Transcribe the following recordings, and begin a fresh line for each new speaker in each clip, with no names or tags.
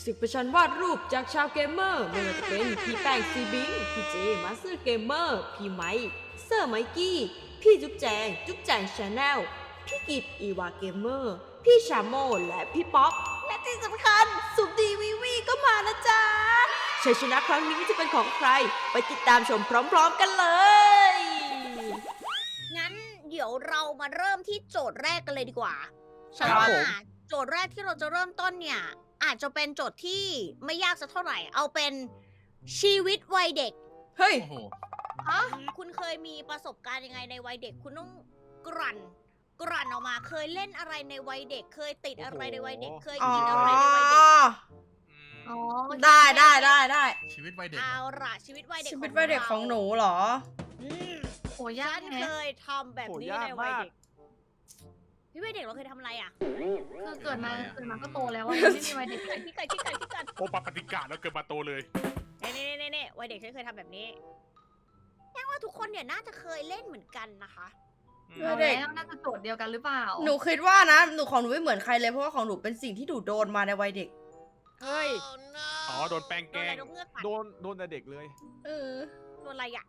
ศึกประชันวาดรูปจากชาวเกมเมอร์ไม่ว่าจะเป็นพี่แป้งซีบิงพี่เจมาสเตอร์เกมเมอร์พี่ไมค์เซอร์ไมกี้พี่จุ๊บแจงชาแนลพี่กิตอีวาเกมเมอร์พี่ชาโมและพี่ป๊อปและที่สำคัญสุดดีวีก็มานะจ๊ะชัยชนะครั้งนี้จะเป็นของใครไปติดตามชมพร้อมๆกันเลย
งั้นเดี๋ยวเรามาเริ่มที่โจทย์แรกกันเลยดีกว่า
ครับ
ฉันว่า
ผม
โจทย์แรกที่เราจะเริ่มต้นเนี่ย อาจจะเป็นโจทย์ที่ไม่ยากสักเท่าไหร่ เอาเป็นชีวิตวัยเด็ก
เฮ้ย
โอ้โห
คุณเคยมีประสบการณ์ยังไงในวัยเด็ก คุณต้องกลั่นออกมา เคยเล่นอะไรในวัยเด็ก เคยติดอะไรในวัยเด็ก เคยกินอะไรในวัยเด็ก
อ๋อ
ได้
ชีวิตวัยเด็ก
เอาล่ะชีวิตวัยเด็ก
ชีวิตวัยเด็กของหนูเหรอ
อืม
โหยา
ฉั
ก
น
แฮะ
เคยทำแบบนี้ในวัยเด็กพี่วัยเด็กเราเคยทำอะไรอ่ะ
คือเกิดมาก็โตแล้วอะยังไม่มีวัยเด็กเลย
พี่ไก่
โอปปฏิกาแล้วเกิดมาโตเลย
นี่วัยเด็กฉันเคยทำแบบนี้แค่ว่าทุกคนเนี่ยน่าจะเคยเล่นเหมือนกันนะคะ
วั
เอา
ยเด็ก
แล้วน่าจะโจทย์เดียวกันหรือเปล่า
หนูคิดว่านะหนูของหนูไม่เหมือนใครเลยเพราะว่าของหนูเป็นสิ่งที่หนูโดนมาในวัยเด็ก
เฮ้ย
อ๋อ โดนแป้ง
โด
แก
นอะไร
ล้ง
นกเงือกกัด
โดนแต่เด็กเลย
เออ
โดนอะไรอ่ะ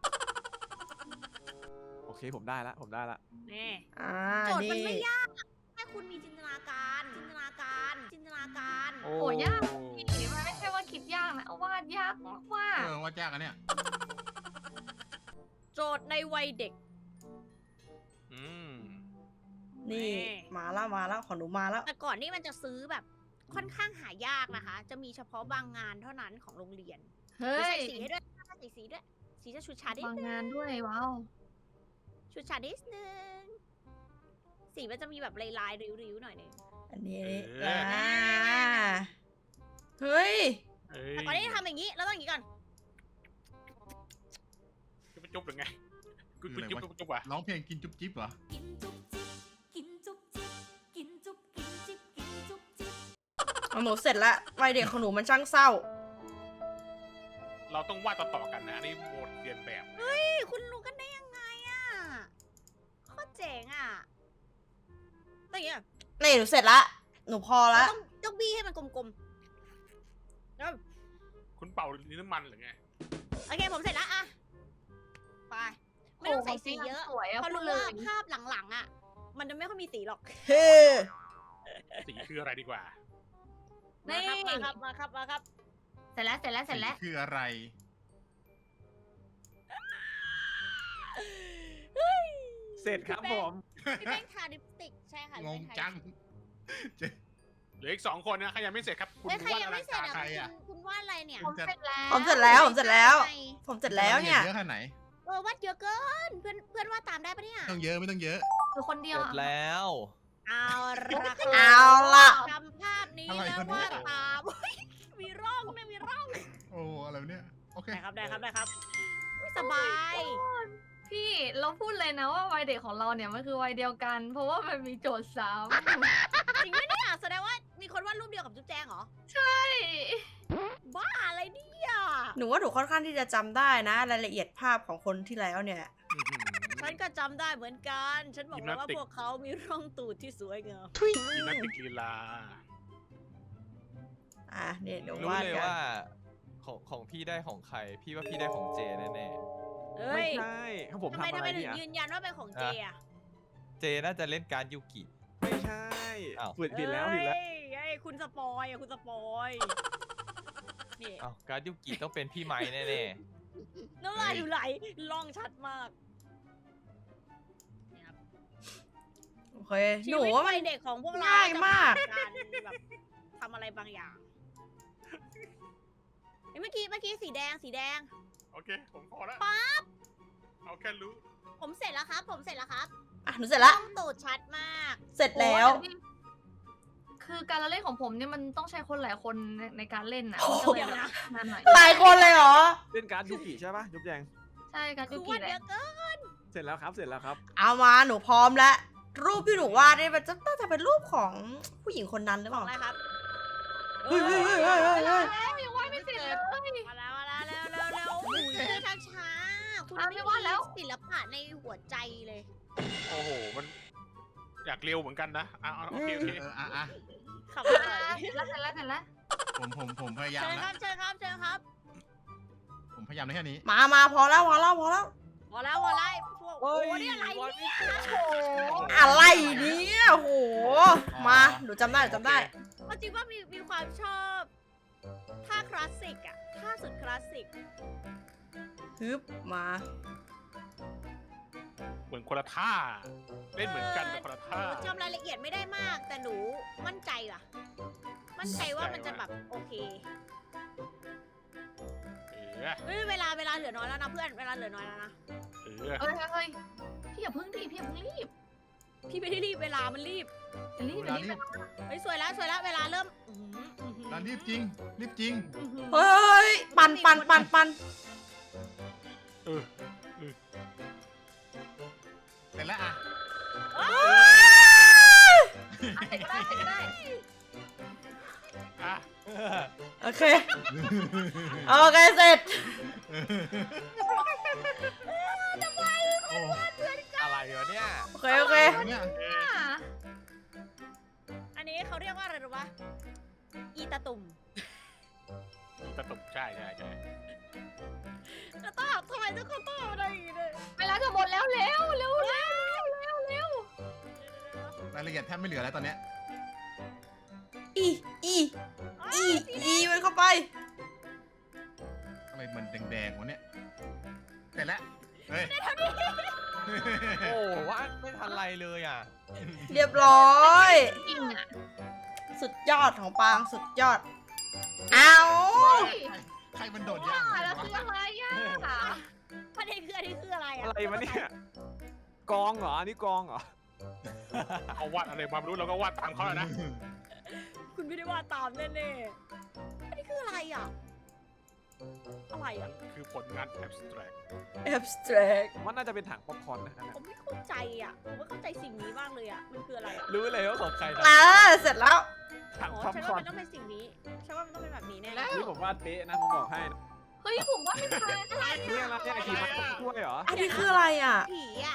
โอเคผมได้ละ
นี่
อ่า
โจทย์มัน
นี่
ไม่ยากแค่คุณมีจินตนาการ
โอ้
โหยากพี่มันไม่ใช่ว่าคิดยากนะเอาวาดยากมาก
ว่ายากอันเนี่ย
โจทย์ในวัยเด็ก
อืม
นี่
นี่
มาแล้วของหนูมาแล้ว
แต่ก่อนนี่มันจะซื้อแบบค่อนข้างหายากนะคะ จะมีเฉพาะบางงานเท่านั้นของโรงเรียน
ๆเฮ้
ใส่
ย
สีให้ด้วยใส่สีด้วย สีจะชุดชาดนิด
บาง
นึง
งานด้วยว้าว
ชุดชาดนิดนึง สีมันจะมีแบบลายๆริ้วๆหน่อยนึง
อันนี้
เออ
อ่าเฮ้ย
เอ้ย
แต่ก่อนที่จะทำอย่างนี้เราต้องอย่างนี้ก่อน
จะไปจุ๊บหรือไงกู
คืออะไร
จุ๊บ
วะ
จุ๊บว่ะ
ร้องเพลงกินจุ๊บจิ๊บเหรอ
กินจุ๊บจิ๊บกินจุ๊บจิ๊บกินจุ๊บกินจิ๊บกินจุ๊บจิ๊บ
ของหนูเสร็จแล้ววัยเด็กของหนูมันช่างเศร้า
เราต้องวาดต่อๆกันนะอันนี้โหมดเรียนแบบ
เฮ้ย คุณรู้กันได้ยังไงอ่ะโคตรเจ๋งอ่ะต้องอย่างนี้ก่อน
นี่หนูเสร็จละหนูพอละ
ต้องบี้ให้มันกลมๆแล้ว
คุณเป่าลิ้นน้ำมันหรือไง
โอเคผมเสร็จแล้วอะไป ไม่ต้องใส่สีเยอะ
สวยอะ
เพราะ
พูด
รู้
เล
ว่าย ภาพหลังๆอ่ะ มันจะไม่ค่อยมีสีหรอก
เฮ้
สีคืออะไรดีกว่า
มาครับ
เสร็จแล้ว
สีคืออะไร
เสร็จครับผม
พี่แป้งทาลิปสติกใช่ค่ะ
งง
พี่แป้ทา
จัง
เหลืออีก2 คนนะใครยังไม่เสร็จครับ คุณ
เฮ้ยใคร
วาด
ยัง
อลั
ไม่
ง
เสร็จ
การ
อ่ะ
ใครอะ
คุณวาดอะไรเนี่ย
ผมเสร็จแล้ว
ผมเสร็จแล้วผมเสร็จแล้ว ผมเสร็จแล้วเนี่ย
เยอะขนาดไหน
วาดเยอะเกิน เพื่อนวาดตามได้ปะเนี่ย
ต้องเยอะไม่ต้องเยอะ
คือคนเดียว
เสร็จ
อะ
แล้ว
เอาละครับ
เอาล่ะ
ทำภาพนี้
อะไร
แล้ว
คนนี้
วาดตาม มีร่องนะมีร่อง
โอ้อะไรวะเนี่ยโอเค
ได้ครับอุ๊ยสบาย
พี่เราพูดเลยนะว่าวัยเด็กของเราเนี่ยมันคือวัยเดียวกัน เพราะว่ามันมีโจทย์ซ้
จริงไหมเนี่ยแสดงว่ามีคนวาดรูปเดียวกับจุ๊บแจงเหรอ
ำใช่
บ้าอะไรเนี่ย
หนูว่าหนูค่อนข้างที่จะจำได้นะ รายละเอียดภาพของคนที่แล้วเนี่ย
อื้อหือ
ฉันก็จำได้เหมือนกัน ฉันบอกแล้วว่า
ยิมนาสติก
พวกเขามีร่องตูดที่สวยงาม
ยิมนาสติกลีลา
อ่ะเนี่ยเดี๋ยว
รู้
วาด
เลย
กัน
ว่าของพี่ได้ของใคร พี่ว่าพี่ได้ของเจแน่
เอ้
ไม่
ย
ใช่ถ้าผม
ทำไม
ทำอะไร
ถึง
เนี่ย
ยืนยันว่าเป็นของเจอะ
เจน่าจะเล่นการดยูกิ
ไม่ใช่
อ้าว
ผิดแล้ว
เอ้ยคุณสปอยอะคุณสปอยนี่
อ้าวการดยูกิต้องเป็นพี่ไม้แน่
น้ำลายไหลล่องชัดมาก
โอเค
ชี
หนู
วิต
ว่ามั
วัน ยเด็กของพวกเรา
ง่ายมาก
จะผ่นแบบทำอะไรบางอย่างเอ้ยเมื่อกี้สีแดง
โอเค ผมพอแล้ว
ปั๊บ
เอาแค่รู้
ผมเสร็จแล้วครับ
อ่ะหนูเสร็จละ
ร่องตูดชัดมาก
เสร็จแล้ว
โอ้ยนี่คือการละเล่นของผมเนี่ยมันต้องใช้คนหลายคนในการเล่นนะ
โอ้
มัน
โห
ก็เลยแบบนานหน่อย
หลายคนเลยเหรอ
เล่นการ์ดยูกิใช่ปะยุบแจง
ใช่การ
คื
ยู
อ
กิ
วาด
แห
เย
ละ
อะเกิน
เสร็จแล้วครับ
เอามาหนูพร้อมแล้ว รูปที่หนูวาดเนี่ยมันจะน่าจะเป็นรูปของผู้หญิงคนนั้นหรือ
ข
เป
อง
ล่า
อะไรครับ
เฮ้ย
ยังวาดไม่เสร็จเลย
มาแล้วเร็วโอ้ยช้าคุณ
อ่ะไม่วาดแล้ว
ศิลปะในหัวใจเลย
โอ้โห มันอยากเร็วเหมือนกันนะเอาโอเค
อ่ะ
ขับอะไร
เสร็จแล้ว
ผมพยายาม
เชิญค
นะ
รับเชิญครับเชิญครับ
ผมพยายามได้แค่นี้
มาพอแล้ว
พอแล้วพอแล้วพวกโอ้โหนี่อะไรเนี่ย
อะไรเนี่ยโอ้โห มาหนูจำได้
เอาจริงว่ามีความชอบท่าคลาสสิกอะท่าสุดคลาสสิก
ฮึบมา
เหมือนคนละท่า เล่นเหมือนกันแต่คนละ
ห
ท่า
นูจำรายละเอียดไม่ได้มาก แต่หนูมั่นใจว่ะ มั่นใจว่ามันจะแบบโอเค เฮ้ยเวลาเหลือน้อยแล้วนะเพื่อน เวลาเหลือน้อยแล้วนะ
เฮ้ยพี่อย่าเพิ่งรีบพี่อย่าเพิ่งรีบ
พี่ไม่ได้รีบเวลามันรีบ
อย่ารีบ
เว
อย่า
ลา
รี
รี
บบ
เฮ้ยสวยแล้วเวลาเริ่ม
เวลารีบจริง รีบจริง
เฮ้ย ปัน
เสร็จแล้วอ่ะ
ก็ได้
อ่ะ
โอเค เสร็จ
โอ้
อะไรวะเนี่ย
โอเค
เนี่ย
อันนี้เขาเรียกว่าอะไรรู้ปะอีตาตุ่ม
ตะตุ่มใช่
แล้วต้องทำไมทุกคนต้องเอาอะไรอย่างงี้เลย
เวลาจะหมดแล้วเร็ว
รายละเอียดแทบไม่เหลือแล้วตอนเนี้ย
อีมันเข้าไป
อะไรมันแดงๆวะเนี่ย เสร็จแล้ว เฮ้ย
โอ้ว่าไม่ทันไรเลยอ่ะ
เรียบร้อย
จริงอ่ะ
สุดยอดของปางสุดยอด เอา
ใครมันโดด
ว่า
ย่าง
แล้วคืออะไรอ่ะ
ประเด็นคืออันนี้คืออะไรอะ
อะไรวะเนี่ยกองเหรออันนี้กองเหรอ
เขาวาดอะไรมาไม่รู้เราก็วาดตามเขาอะนะ
คุณไม่ได้ว่าตามแน่ๆอันนี้คืออะไรอะอะไรอะ
คือผลงาน abstract
abstract
ผมว่าน่าจะเป็นถังป๊อปคอร์นนะฮะ
ผมไม่เข้าใจอะผมไม่เข้าใจสิ่งนี้มากเลยอะมันคืออะไรอะ
รู้เลยว่าของใครนะ
เสร็จแล้ว
ถัง
อ๋อ
ป๊อป
ฉัน
คอ
ว่า
ร์น
มันต้องเป็นสิ่งนี้ฉันว่ามันต้องเป็นแบบนี้แน่
นี่ผมว่าเป๊ะนะผมบอกให้นะ
เฮ้ยผมว่าไม่ทันอะไร
นี่อะไรเนี่ยไอทีมันช่วยเหรอ
อันนี้คืออะไรอ่ะ
ผีอะ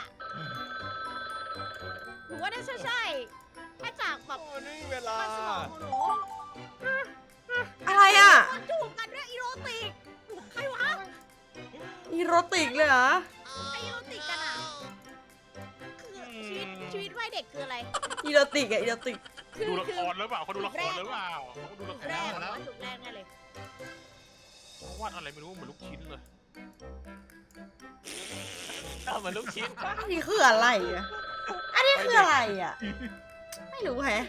หนูว่าน่าจะใช่แค่จากแบบ
โอ้นี่เวลา
มันสมองของหนู
อะไรอ่ะ
มันจูบกันด้วยอีโรติกใครวะ
อีโรติกเลยเหรอ
ไออีโรติกกันอะคือชีวิตวัยเด็กคืออะไร
อีโรติกอะอีโรติก
ดูละครหรือเปล่าเขาดูละครหรือเปล่าเขาดูละคร
แรก
แล้ว
ว่าถูกแรกแน่เลย
เขาวาดอะไรไม่รู้เหมือนลูกชิ้นเลย
เหมือนลูกชิ้น
อันนี้คืออะไรอ่ะ อันนี้คืออะไรอ่ะ ไม่รู้แฮะ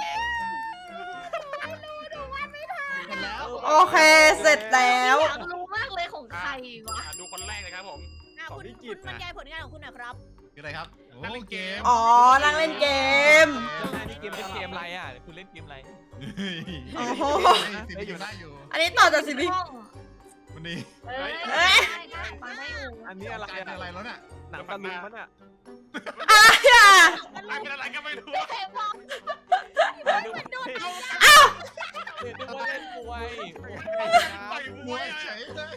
เสร็จแล้ว
โอเค เสร็จแล้ว
อยากรู้มากเลยของใครวะ
ดูคนแรกเลยครับผม
คุณบรรยายผลงานของคุณหน่อยครับ
คืออะไรครับ
นั่งเล่นเกม
อ๋อ นั่งเล่นเกม
นี่เกมเล่นเกมอะไรอ่ะคุณเล่นเกมอะไร
โอ้โห
สิ่งที่อยู่ได้อยู่
อันนี้ต่อจากสิบิ
วันนี้
เอ้ย
เอ้ย
ได้มาได้อยู่
อันนี้อะไร
กลายเป็น
อะ
อะไรแล้วเนี่ย
หนังตะลุงมันอ่ะ
อะไรอ่ะ
อะไรเป็นอะไรก็ไม่รู้
เห็นบอก
นึกว่า
โดนเอา
นึกว่าเล่นมวย
ต่อยม
ม
ว
วย ย
อะ
เฉยเลย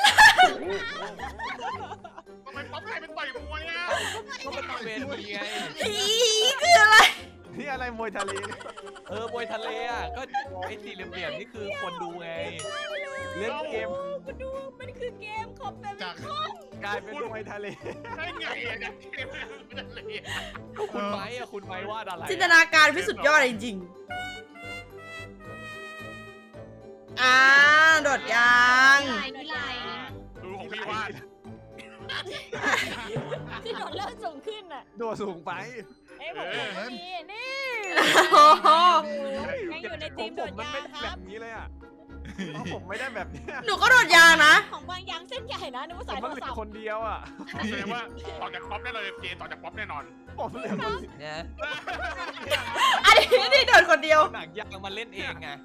ทำไมป๊อปกลายเป็นต่อยมวยอ่ะ
เขาเป็นเวทีไง
อีคืออะไร
นี่อะไรมวยทะเลเนี่ย
มวยทะเลอ่ะก็ไอ้สี่เหลี่ยมๆนี่คือคนดูไง
เล่นเกม
คุณดูมันคือเกมคอมเม
จาก
กลายเป็นมวยทะเล
ได้ไงอ่ะเนี่ยเกมเป็นอะไรอ่ะ
ก็คุณไม้อ่ะคุณไม้วาดอะไร
จินตนาการพี่สุดยอดจริงๆโดดยาง
ลายนี่ลาย
ดูของพี่วาด
ที่โดนเริ่มสูงขึ้นอ่ะ
โดดสูงไป
เอ้ยผมก็มีนี่
โอ้โห
ยังอยู่ใน
ข
ที
อง
ม
ผ
โด
ม
ด
มัน
ยา
ไม่
งค
แบ
รับบ
นี้เลยอ่ะของผมไม่ได้แบบเนี้ย
หนูก็โดดยางนะ
ของบางยางเส้นใหญ่นะนึกว่า
ผ
สาม ยโท
มัน
ร
เหลื
ศั
อ
พท์
คนเดียวอ่ะ
แสดงว่าต่อจากป๊อปได้เลยเจต่อจากป๊อปแน่นอน
ผมเหลือคน
เนี่ย
อันนี้ที่โดดคนเดียว
หนังยางมาเล่นเองไง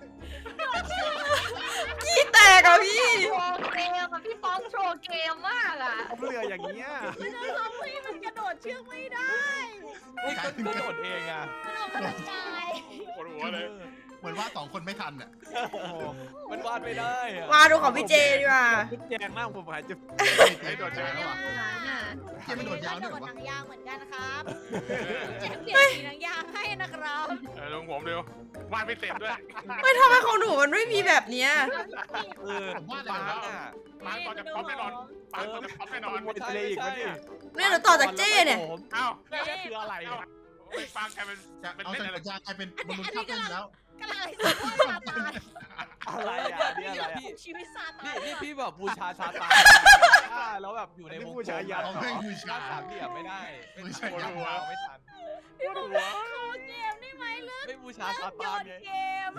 ขี้แตกอ่ะพี่
โชว์เกมอ่ะพี่ป๊อกโชว์เกมมากอ่ะ
ผมเหลืออย่างเงี้ย
มันจะทำให้มันกระโดดเชือกไม่ได้
นี่ก็โดดเองอ่ะ
มันออกกำลังกาย
ปวดหัวเลย
เหมือนว่าสองคนไม่ทันอ่ะ
โอ้โห
มันวาดไม่ได้อะ
มาดูของพี่เจดีกว่า
จุ๊บแจงมากผมหายจะ
ไอ้โดดยางแล้วอ่ะ
น่ะ
เจ๊ไม่โดดยาง
โด
ด้วย
ด
วะ
หนังยางเหมือนกันครับเจ็บเปลี่ยนสีหนังยางให้นะครับ
ลงผมเร็ววาดไม่เต็มด้วย
ไม่ทำไมของหนูมันไม่มีแบบเนี้ย
เออ
ผมวาด
ปา
อะไร
ง
วะ
อ่ะ
ปางตอนจะพร้อมแน่นอนปางตอนจะพร้อมแน่นอน
หมดเลยอีกวะเนี่ย
เนี่ยหนูต่อจากเจ้เนี่ย
เอ้า
นี่คืออะไร
เอ้า
อะ
ปางกลายเป็น
จะ
เป็น
เอา
เล่น
ใส่
อะไร
กระยางกลายเป็นบอลลูนข้าวต้มแล้ว
กำลังไอ้สัตว์ว่าซาตาน
อะไรอ่ะนี่อะไรอ่ะ
ชีวิตซาตา
นี่
น
นี่พี่แบบบูชาซาตานแล้วแบบอยู่ในวงกลม
เอาแม่งบูชา
สามเหลี่ยมไม่ได้ไม่
บูชา
ทันเราไม่ทัน
พี่บอกว่าขอเกมได้ไหมเลิก
ไม่บูชาซา
หยุ
ตาน
ด
ไง
เกม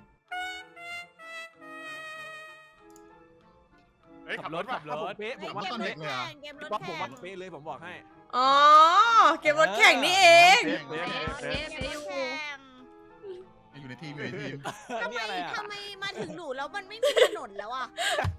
เฮ้ยขับรถ
ขั
ว่ะ
บรถ
เป๊ะผมว่า
เก
ต้
ม
น
ร
เล็
ถ
ก
แข่งเกมรถ
ป๊อปผม
แข่
ว่าง เป๊ะเลยผมบอกให้
อ๋อ เก็บรถแข่งนี่เอง
เป๊ะ
เป๊ะ
เอ๊ะ
เก
เอ๊ะ
มรถ
อยู่
แข่ง
อยู่ในทีมอยู่ในทีม
ทำ
นี่อะไรอ่ะ
ไมมาถึงหนูแล้วมันไม่มีถนนแล้วอ่ะ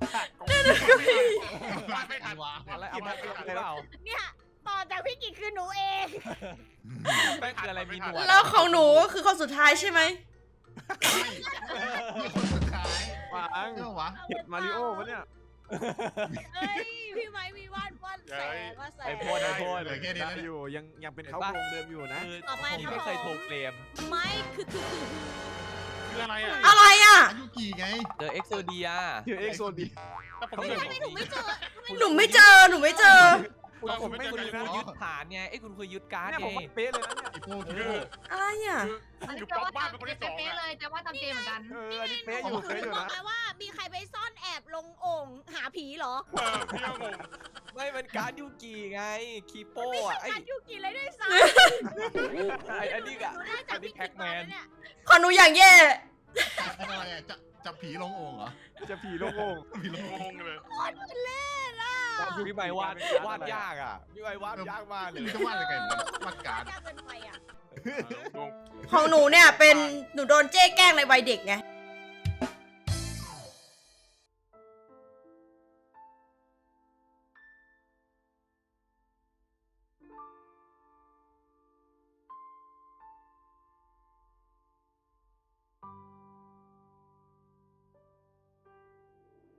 วาดไม่ทัน
วะ
อะไรเอามาเป็นหรือเปล่า
เนี่ยต่อจากพี่กิจคือหนูเอง
แป้งคืออะไรมีหนวด
แล้วของหนูก็คือคนสุดท้ายใช่ไหม
ไม่นี่คนสุดท้าย
ปาง
เรื่องวะ
เห็ดมาริโอปะเนี่ย
เฮ้ยพี่ไม้มีวาดแสงว่าแสง
ไอพ่นไอพ่น
เหลือแค่นี้
ได้
แล้ว
อ
เนี่ย
ยู่ยังเป็นเขาโครงเดิมอยู่นะ
คือ
ต่อไป
ผมไม่เคยโทรเกม
ไม้คือ
คืออะไรอ่ะ
อะไรอ่ะ
อายุกี่ไง
เจอเอ็กโซเดีย
ชื่อเอ็กโซดี
แต่ผม
ทำ
ไม่
ไมหนูไม่เจอ
หนูไม่เจอ หนูไม่เจอ
ผมไม่
คุณ
ดี
คื
นะ
อยึดฐานไงไอ้คุณคือยึดการ์ด
เนี่ย
ไง
ผมว่าเป๊ะเลยนะเนี่ย
ไอ้พวก
คือ
อะไรอ่ะ
อยู่ป๊อปบ้านเป็นคนที่สอง
เป๊ะ
อ่ะ
เลยแต่ว่าทำเกมเหมือนกัน
อันนี้เป๊ะอยู่เป๊ะอยู่
บอก
นะ
ไงว่ามีใครไปซ่อนแอบลงโอ่งหาผีเหรอ
พี่ก็งง
ไม่เป็นการ์ดยูกิไงคีโป้
ไม่
อะ
ใช่
ไอ้
การยูกิเลยด้วยซ้
ไอ้นี่
ำ
อะ
หนูได้จา
อั
ก
นนี้
พี่
แพ็
กิ
ก
จ
แม
มาน เนี่ย
ของหนูอย่างแย่
อะไรอ่ะจับผีลงโอ่งเหรอ
จะผีโล่ง
ผีลงโอ่ง
งงเลย
เล่นอ่ะ
พี่ใบวาดยากอ่ะพี่ใบวาดยากมากเลย
ไม่รู้จะวาดอะไรกันวาดการ์ด
ยากเกินไปอ่ะ
งง
ของหนูเนี่ยเป็น หนูโดนเจ้แกล้งในวัยเด็กไง